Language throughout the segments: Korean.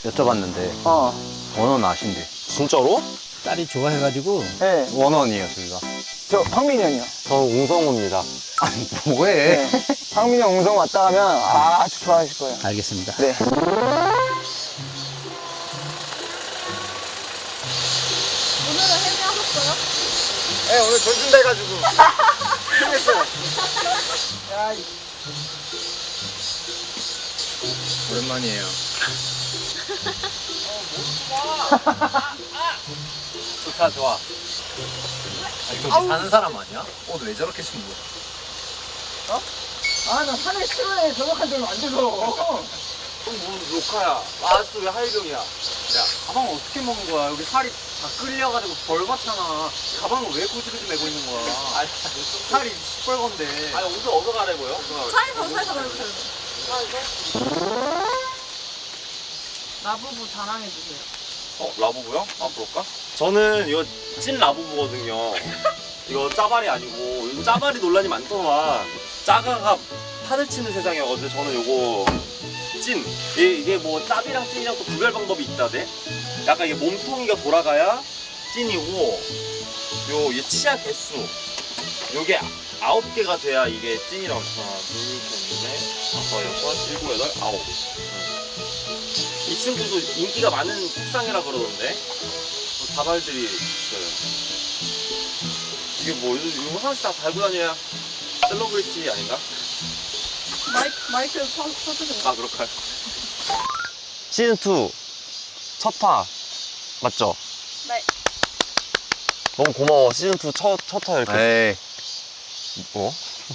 여쭤봤는데 원원 아신대. 진짜로? 딸이 좋아해가지고. 네. 원원이에요 저희가. 저 황민이 형이요. 저는 웅성우입니다. 아니 뭐해? 네. 황민이 형 웅성 왔다 가면 아주 좋아하실 거예요. 알겠습니다. 네. 오늘은 헤매하셨어요? 네, 오늘 돈 준다 해가지고. 힘냈어요. 오랜만이에요. 좋다 좋아. 아니 여기 사는 사람 아니야? 옷 왜 저렇게 신고? 아, 나 산에 싫어해. 저녁한 지는 안 돼서. 그럼 뭐 로카야. 아직도 왜 하이병이야? 야 가방 어떻게 먹은 거야? 여기 살이 다 끌려가지고 벌받잖아. 가방을 왜 고지고지 메고 있는 거야? 아니 살이 시뻘건데. 아니 옷을 어디서 갈아입어요? 차에서 가려주세요. 라부부 자랑해주세요. 라부부요? 아, 그럴까? 저는 이거 찐 라부부거든요. 이거 짜발이 아니고, 요즘 짜발이 논란이 많더만. 짜가가 판을 치는 세상이어가지고, 저는 요거 찐. 이게 뭐 짭이랑 찐이랑 또 구별 방법이 있다대? 약간 이게 몸통이가 돌아가야 찐이고, 얘 치아 개수. 요게 9개가 돼야 이게 찐이라고. 하나, 둘, 셋, 넷, 다섯, 여섯, 일곱, 여덟, 아홉. 이 친구도 인기가 많은 색상이라 그러던데 다발들이 있어요. 이게 뭐 이거 하나씩 다 달고 다녀야 셀러브리티 아닌가? 마이크 쳐주세요. 아 그럴까요? 시즌2 첫화 맞죠? 네. 너무 고마워. 시즌2 첫화 이렇게 에이. 뭐?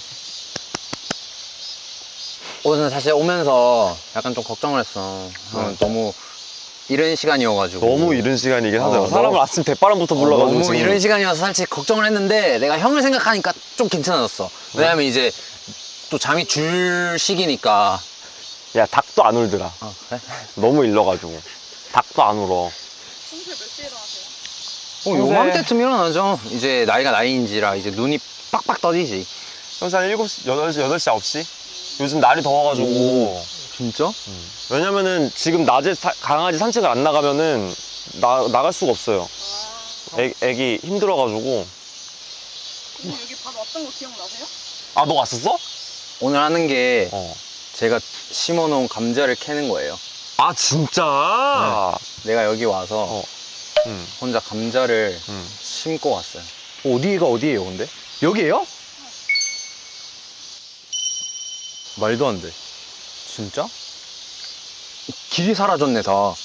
오늘 사실 오면서 약간 좀 걱정을 했어. 너무 이른 시간이어가지고. 너무 이른 시간이긴 하더라고. 어, 사람을 너무- 아침 대바람부터 불러가지고 너무 지금. 이른 시간이어서 살짝 걱정을 했는데 내가 형을 생각하니까 좀 괜찮아졌어. 왜냐면 이제 또 잠이 줄 시기니까. 야 닭도 안 울더라. 그래? 너무 일러가지고 닭도 안 울어. 평소에 몇 시에 일어나세요? 요맘때쯤 일어나죠. 이제 나이가 나이인지라 이제 눈이 빡빡 떠지지. 평소 한 7시, 8시, 9시? 요즘 날이 더워가지고. 진짜? 왜냐면은 지금 낮에 강아지 산책을 안 나가면은 나갈 수가 없어요. 애기 힘들어가지고. 오늘 여기 밥 왔던 거 기억나세요? 아, 너 왔었어? 오늘 하는 게 어. 제가 심어놓은 감자를 캐는 거예요. 아, 진짜? 내가 여기 와서 응. 혼자 감자를 응. 심고 왔어요. 어디가 어디예요, 근데? 여기에요? 말도 안 돼. 진짜? 길이 사라졌네, 다.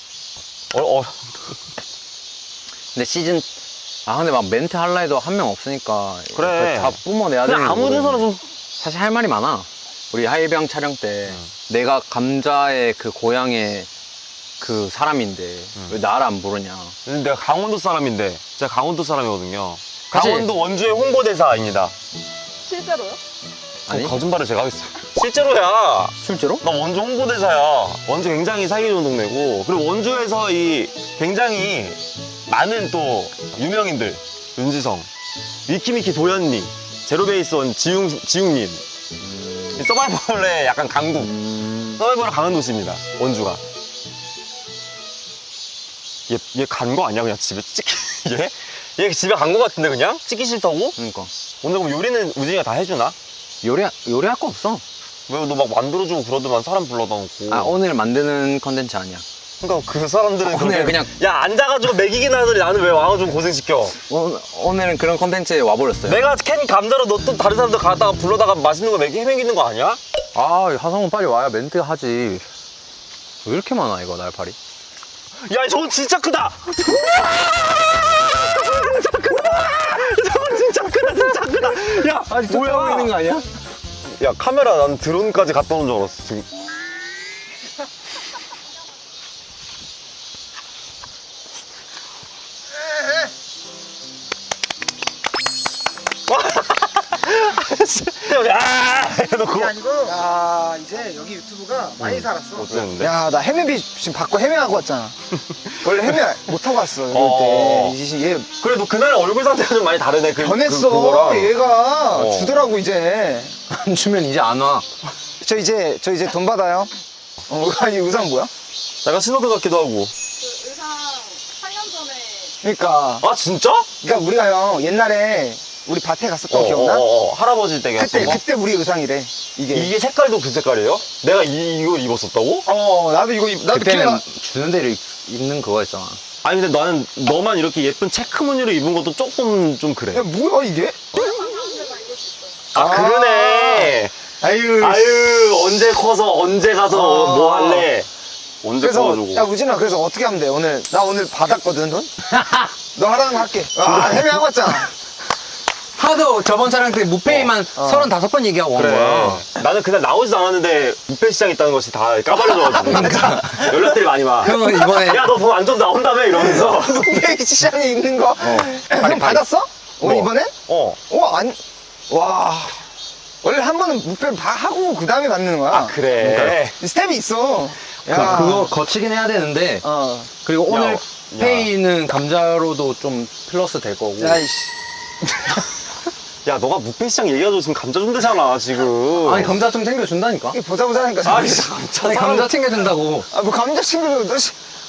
근데 근데 막 멘트 할라 해도 한 명 없으니까. 그래. 다 뿜어내야 되는 그냥 아무 데서나 거거든. 좀. 사실 할 말이 많아. 우리 하이병 촬영 때 내가 감자의 그 고향의 그 사람인데 왜 나를 안 부르냐. 내가 강원도 사람인데. 제가 강원도 사람이거든요. 그치? 강원도 원주의 홍보대사입니다. 실제로요? 아니? 거짓말을 제가 하겠어요. 실제로야. 실제로? 나 원주 홍보대사야. 원주 굉장히 살기 좋은 동네고, 그리고 원주에서 이 굉장히 많은 또 유명인들, 윤지성, 미키미키 도현님, 제로베이스원 지웅님, 이 서바이벌의 약간 강국, 서바이벌의 강한 도시입니다. 원주가. 얘 간 거 아니야? 그냥 집에 얘? 얘 집에 간 거 같은데 그냥? 찍기 싫다고? 그러니까. 오늘 그럼 요리는 우진이가 다 해주나? 요리할 거 없어. 왜 너 막 만들어주고 그러더만 사람 불러다 놓고. 아, 오늘 만드는 컨텐츠 아니야. 그러니까 그 사람들은 오늘 그냥 야 앉아가지고 먹이긴 하더니 나는 왜 와가지고 고생시켜. 오늘은 그런 컨텐츠에 와버렸어요. 내가 캔 감자로 너 또 다른 사람들 가다가 불러다가 맛있는 거 헤매기는 거 아니야? 아, 하성은 빨리 와야 멘트 하지. 왜 이렇게 많아, 이거, 날파리? 야 저건 진짜 크다. 저건 진짜 크다. 야 아직 뭐야? 하고 있는 거 아니야? 야 카메라 난 드론까지 갖다 놓은 줄 알았어 지금. 야 해놓고. 그게 아니고, 야, 이제 여기 유튜브가 많이 살았어. 어땠는데? 야, 나 헤매비 지금 받고 헤매하고 왔잖아. 원래 헤매 못하고 왔어, 이럴 어. 때. 얘 그래도 그날 얼굴 상태가 좀 많이 다르네. 변했어. 그거랑. 얘가 어. 주더라고, 이제. 안 주면 이제 안 와. 저 이제 돈 받아요. 아니 의상 뭐야? 약간 신호등 같기도 하고. 그 의상 8년 전에 그러니까 아 진짜? 그러니까 우리가 형 옛날에 우리 밭에 갔었던 거 기억나? 할아버지 댁에 그때 갔던 거? 그때 우리 의상이래 이게. 이게 색깔도 그 색깔이에요? 내가 이걸 입었었다고? 나도 이거 나도 그때는 기억나. 주는 대로 입는 그거 있잖아. 아니 근데 나는 너만 이렇게 예쁜 체크 무늬로 입은 것도 조금 좀 그래. 야 뭐야 이게? 남자가 입을 수 있어요. 아 그러네. 아유. 아유 언제 커서 언제 가서 뭐 할래? 언제 그래서 커가지고. 야 우진아 그래서 어떻게 하면 돼 오늘? 나 오늘 받았거든 돈. 너 하라는 거 할게. 헤매하고 왔잖아. 하도 저번 촬영 때 무페이만 35번 얘기하고 온 그래. 거야. 나는 그날 나오지도 않았는데 부페 시장 있다는 것이 다 까발려져가지고 연락들이 많이 와. 그러면 이번에 야 너 돈 완전 나온다며 이러면서. 페이크 시장에 있는 거. 형 받았어? 오늘 뭐? 이번엔? 어. 와. 원래 한 번은 무패를 하고 그 다음에 받는 거야. 아 그래. 스텝이 있어. 그거 거치긴 해야 되는데 그리고 오늘 야. 페이는 감자로도 좀 플러스 될 거고. 야이씨. 야 너가 부페 시장 얘기해가지고 지금 감자 준대잖아 지금. 아니 감자 좀 챙겨준다니까. 이게 보자보자하니까. 아 진짜 감자. 아니 감자 챙겨준다고. 뭐 감자 챙겨줘. 너 씨.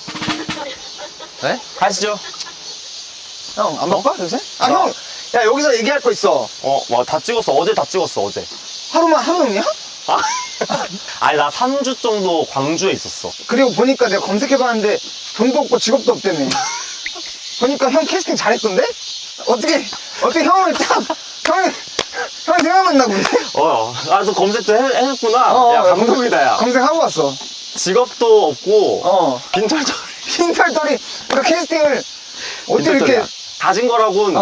네? 가시죠. 형, 안 바빠, 요새? 형. 야, 여기서 얘기할 거 있어. 다 찍었어. 어제 다 찍었어 어제. 하루냐? 아? 아니 나 3주 정도 광주에 있었어. 그리고 보니까 내가 검색해봤는데 돈도 없고 직업도 없다며. 보니까 형 캐스팅 잘했던데? 어떻게 형을 형이 생각났나 본데? 너 검색도 해냈구나. 야 감동이다 야. 검색하고 왔어. 직업도 없고 빈털털. 흰털털이 그 캐스팅을 어떻게 이렇게 가진 거라고는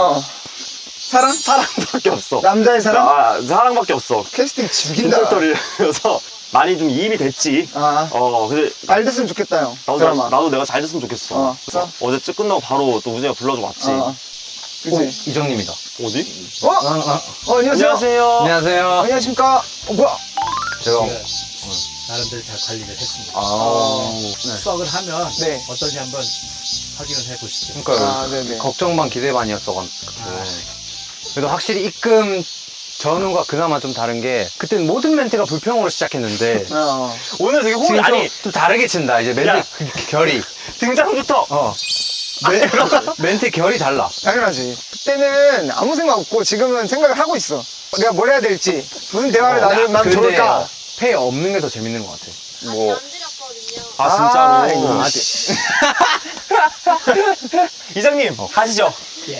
사랑밖에 없어. 남자의 사랑? 사랑밖에 없어. 캐스팅 죽인다. 빈털털이라서 많이 좀 이입이 됐지. 근데 잘 됐으면 좋겠다 형. 드라마. 나도 내가 잘 됐으면 좋겠어. 어제 쭉 끝나고 바로 또 우진이가 불러주고 왔지. 그치? 이정님이다. 어디? 안녕하세요. 안녕하세요. 안녕하세요. 안녕하십니까? 뭐야? 제가 나름대로 잘 관리를 했습니다. 네. 수확을 하면 네. 어떤지 한번 확인을 해보시죠. 그러니까 네네. 걱정 반 기대 반이었어가지고. 그래도 확실히 입금 전후가 그나마 좀 다른 게 그때는 모든 멘트가 불평으로 시작했는데 오늘 되게 지금 아니 좀 다르게 친다. 이제 멘트 야. 결이. 등장부터. 멘트 결이 달라. 당연하지. 그때는 아무 생각 없고 지금은 생각을 하고 있어. 내가 뭘 해야 될지, 무슨 대화를 나누면 근데 좋을까. 페이 없는 게 더 재밌는 것 같아. 뭐. 안 드렸거든요. 진짜로. 아직. 이장님 가시죠.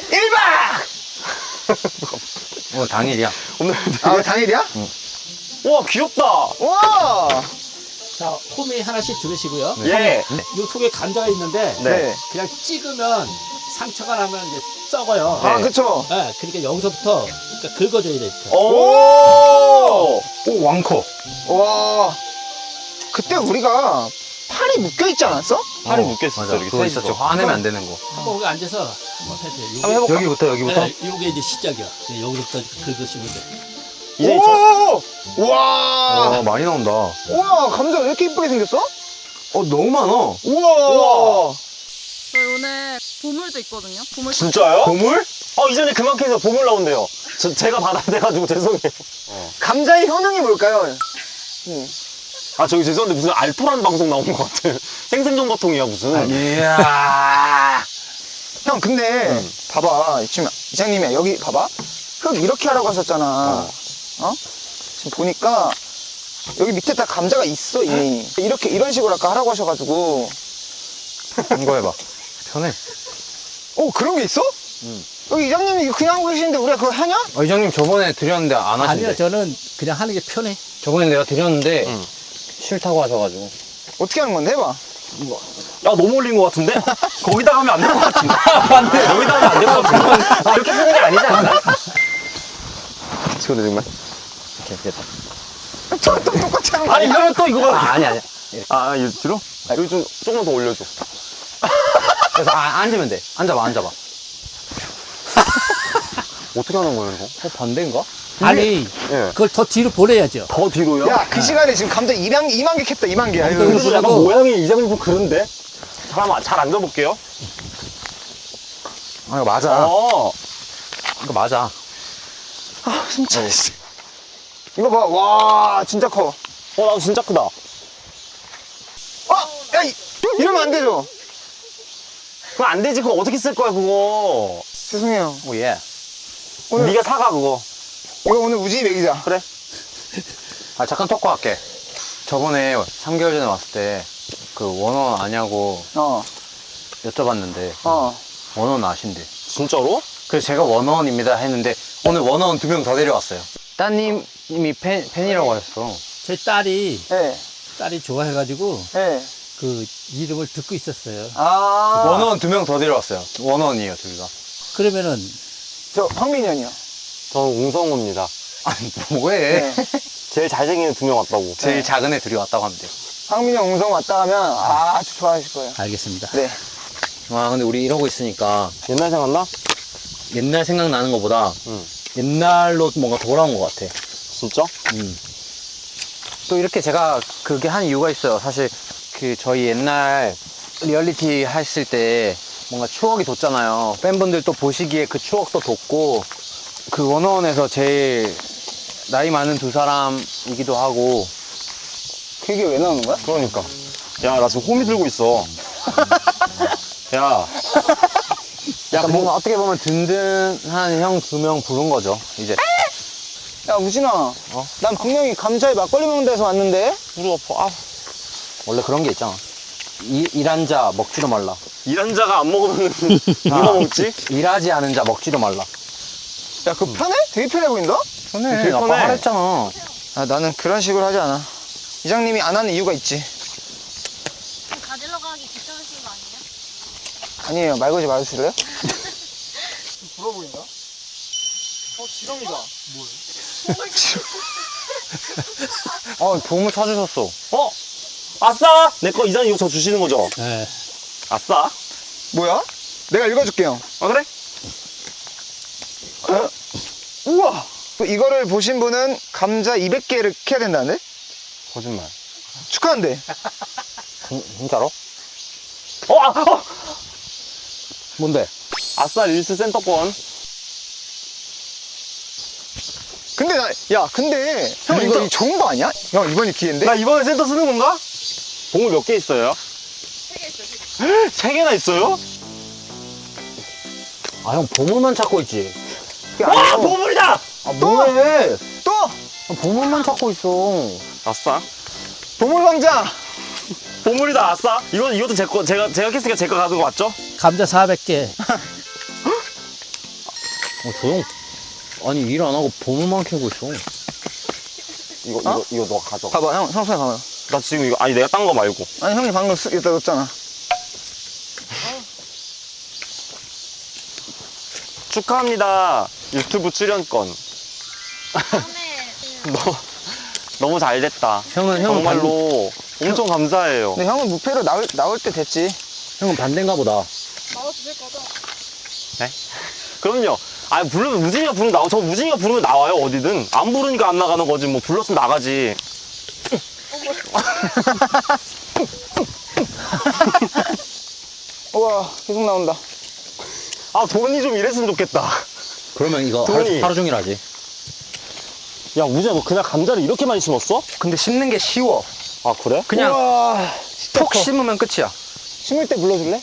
1박! 당일이야. 오늘 당일이야? 와 귀엽다. 와! 자, 호미 하나씩 들으시고요. 예. 이 속에 감자가 있는데 네. 그냥 찍으면 상처가 나면 이제 썩어요. 그쵸. 네, 그러니까 여기서부터 긁어줘야 돼. 이렇게. 오. 오, 왕커. 와. 그때 우리가 팔이 묶여있지 않았어? 팔이 묶였었어. 맞아. 이렇게 그거 셋이서. 있었죠. 화내면 안 되는 거. 한번 여기 앉아서 한번 해주세요. 한번 해볼까? 여기부터? 네, 요게 이제 시작이야. 네, 여기서부터 긁으시면 돼. 이제 오! 와! 많이 나온다. 우와, 감자 왜 이렇게 이쁘게 생겼어? 너무 많아. 우와! 저희 오늘 보물도 있거든요. 보물 진짜요? 보물? 이전에 그만큼에서 보물 나온대요. 제가 받아야 돼가지고 죄송해요. 감자의 효능이 뭘까요? 저기 죄송한데 무슨 알토란 방송 나온 것 같아. 생생정보통이야 무슨. 이야. 형, 근데, 봐봐. 지금 이장님이 여기 봐봐. 흙 이렇게 하라고 하셨잖아. 지금 보니까, 여기 밑에 다 감자가 있어, 이미. 이런 식으로 아까 하라고 하셔가지고. 이거 해봐. 편해. 그런 게 있어? 여기 이장님이 그냥 하고 계시는데 우리가 그걸 하냐? 이장님 저번에 드렸는데 안 하신대. 아니요, 저는 그냥 하는 게 편해. 저번에 내가 드렸는데 싫다고 하셔가지고. 어떻게 하는 건데? 해봐. 야 너무 올린 것 같은데? 거기다 하면 안 될 것 같은데? 맞네. 거기다 하면 안 될 것 같은데? 이렇게 쓰는 게 아니지 않나? 지금 정말? 오케이, 됐다. 또 똑같이 하는 거 아니 아니야? 이러면 또 이거 아니야. 이거 뒤로? 여기 좀 조금만 더 올려줘. 그래서 앉으면 돼. 앉아봐. 어떻게 하는 거예요 이거? 반대인가? 아니, 예. 그걸 더 뒤로 보내야죠. 더 뒤로요? 야, 그 시간에 지금 감자 2만 개 캤다, 2만 개. 아유. 엉덩이 그래도 약간 보내고. 모양이 이장님 좀 그런데? 잘 앉아볼게요. 이거 맞아. 이거 맞아. 진짜. 이거 봐, 와, 진짜 커. 나도 진짜 크다. 이러면 안 되죠? 그거 안 되지. 그거 어떻게 쓸 거야 그거. 죄송해요. 오, 예. 오늘 네가 사가 그거. 이거 오늘 우진이 먹이자. 그래. 아, 잠깐 토크 할게. 저번에 3개월 전에 왔을 때 그 원원 아냐고 어, 여쭤봤는데 어. 원원 아신대. 진짜로? 그래서 제가 원원입니다 했는데 오늘 원원 2명 더 데려왔어요. 따님이 팬이라고 하셨어. 제 딸이 예, 좋아해가지고 예. 그 이름을 듣고 있었어요. 아. 원원 2명 더 데려왔어요. 원원이에요, 둘 다. 그러면은 저 황민이 형이요. 저는 웅성우입니다. 아니, 뭐해. 네. 제일 잘생긴 2명 왔다고. 제일 작은 애 둘이 왔다고 하면 돼요. 황민이 형 웅성 왔다 하면 아주 좋아하실 거예요. 알겠습니다. 네. 와, 근데 우리 이러고 있으니까 옛날 생각나? 옛날 생각나는 것보다 응. 옛날로 뭔가 돌아온 것 같아. 진짜? 또 이렇게 제가 그게 한 이유가 있어요. 사실 그 저희 옛날 리얼리티 했을 때 뭔가 추억이 돋잖아요. 팬분들 또 보시기에 그 추억도 돋고 그 원어원에서 제일 나이 많은 두 사람이기도 하고 그게 왜 나오는 거야? 그러니까. 야, 나 지금 호미 들고 있어. 야. 약간 뭔가 어떻게 보면 든든한 형 2명 부른 거죠, 이제. 야, 우진아. 난 분명히 감자에 막걸리 먹는 데서 왔는데? 무릎 아파. 아. 원래 그런 게 있잖아. 일한 자 먹지도 말라. 일한 자가 안 먹으면 누가 먹지? 일하지 않은 자 먹지도 말라. 야, 그거 편해? 되게 편해 보인다? 편해. 되게 아까 편해. 하랬잖아. 아, 나는 그런 식으로 하지 않아. 이장님이 안 하는 이유가 있지. 가지러 가기 귀찮으신 거 아니에요? 아니에요. 말 걸지 말아주실래요? 부러 보인다? 지렁이다. 보물 찾으셨어. 어? 아싸! 내 거 이장님 이거 저 주시는 거죠? 예. 아싸? 뭐야? 내가 읽어줄게요. 아, 그래? 우와! 이거를 보신 분은 감자 200개를 캐야 된다는데? 거짓말. 축하한대. 진짜로? 어! 뭔데? 아싸 릴스 센터권. 근데 근데 형 이거 진짜? 좋은 거 아니야? 형 이번이 기회인데? 나 이번에 센터 쓰는 건가? 봉을 몇 개 있어요? 3개 있어요. 3개나 있어요? 아, 형 보물만 찾고 있지. 그게 와! 아니고 보물이다! 아, 뭐해? 또! 보물만 찾고 있어. 아싸. 보물왕자! 보물이다, 아싸. 이것도 제 거, 제가 캤으니까 제 거 가는 거 맞죠? 감자 400개. 조용. 아니, 일 안 하고 보물만 캐고 있어. 이거 너 가져가. 봐봐 형 손에 봐봐요. 나 지금 이거, 아니, 내가 딴 거 말고. 아니 형이 방금 여기다 넣었잖아. 축하합니다. 유튜브 출연권. 다음에 너무 잘 됐다. 형은 정말로 엄청 감사해요. 근데 형은 무패로 나올 때 됐지. 형은 반대인가 보다. 나와주실 거죠? 그럼요. 아니, 부르면, 우진이가 부르면 저 우진이가 부르면 나와요, 어디든. 안 부르니까 안 나가는 거지, 뭐, 불렀으면 나가지. 우와 계속 나온다. 아, 돈이 좀 이랬으면 좋겠다. 그러면 이거 돈이. 하루 종일 하지. 야, 우진아, 너 그냥 감자를 이렇게 많이 심었어? 근데 심는 게 쉬워. 아, 그래? 그냥 우와 진짜 톡 커. 심으면 끝이야. 심을 때 불러줄래?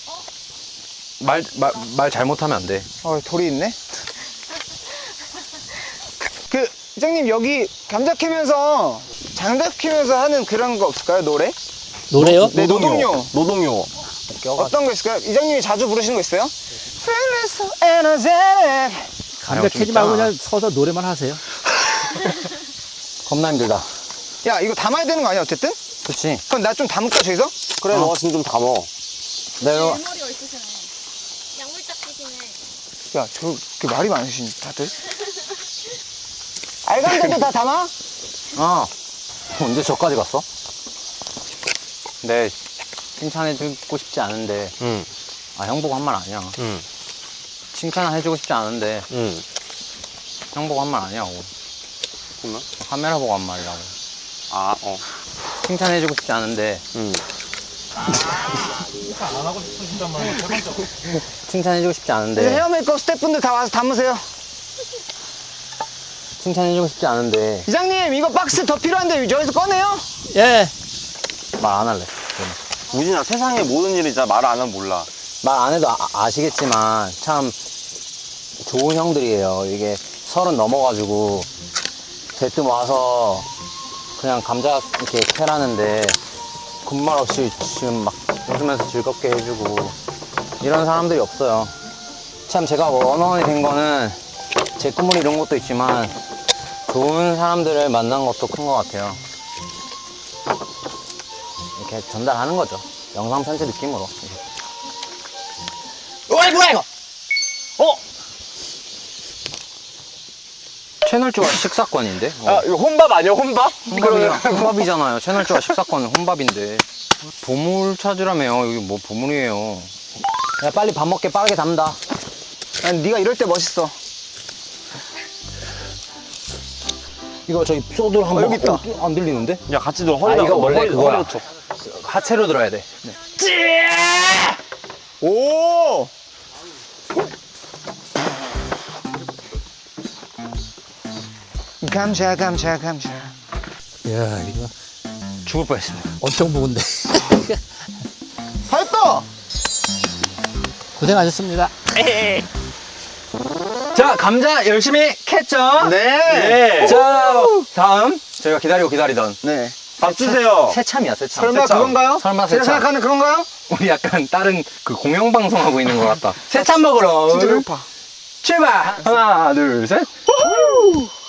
말 잘못하면 안 돼. 돌이 있네. 그 이장님 여기 감자 캐면서 장작 캐면서 하는 그런 거 없을까요? 노래? 노래요? 네, 노동요. 노동요. 어떤 거 있을까요? 이장님이 자주 부르시는 거 있어요? Feeling so energetic. 감자 캐지 말고 그냥 서서 노래만 하세요. 겁나 힘들다. 야 이거 담아야 되는 거 아니야 어쨌든? 그치? 그럼 나 좀 담을까 저기서? 그래, 너가 지금 좀 담어. 내가 일머리가 있으시네. 양물짝 끼시네. 야 그 말이 많으신 다들. 알감자도 다 담아? 언제 저까지 갔어? 네, 칭찬해주고 싶지 않은데. 응, 형 보고 한 말 아니야. 응, 칭찬해주고 싶지 않은데 응. 형 보고 한 말 아니라고. 정말? 카메라 보고 한 말이라고. 아, 칭찬해주고 싶지 않은데 응. 칭찬해주고 싶지 이제 않은데 헤어 메이크업 스태프분들 다 와서 담으세요. 칭찬해주고 싶지 않은데 이장님 이거 박스 더 필요한데 저기서 꺼내요? 예. 말 안 할래. 우진아, 세상의 모든 일이 진짜 말 안 하면 몰라. 말 안 해도 아시겠지만 참 좋은 형들이에요. 이게 30 넘어가지고 대뜸 와서 그냥 감자 이렇게 캐라는데 군말 없이 지금 막 웃으면서 즐겁게 해주고 이런 사람들이 없어요. 참 제가 원어원이 된 거는 제 꿈을 이룬 것도 있지만 좋은 사람들을 만난 것도 큰 것 같아요. 이렇게 전달하는 거죠. 영상 편지 느낌으로. 어이 뭐야 이거? 채널 조화 식사권인데? 이거 혼밥 아니야, 혼밥? 혼밥이잖아요. 채널 조화 식사권은 혼밥인데. 보물 찾으라며요. 여기 뭐 보물이에요. 야 빨리 밥 먹게 빠르게 담다. 아니, 네가 이럴 때 멋있어. 이거 저기 소주를 한번 여기 있다. 안 들리는데? 야, 같이 들어. 허리다. 이거 원래 허리, 그거야. 허리 쳐. 하체로 들어야 돼. 오! 감자. 이야 이거 죽을 뻔했습니다. 엄청 무거운데. 다 했다! 고생하셨습니다. 자 감자 열심히 캤죠? 네. 자 다음 저희가 기다리던 네. 밥 주세요. 새참이야 새참. 설마 새참. 그건가요? 설마 제가 새참. 생각하는 그런가요? 우리 약간 다른 그 공영방송 하고 있는 것 같다. 새참 먹으러 진짜 배고파. 출발. 하나 둘 셋.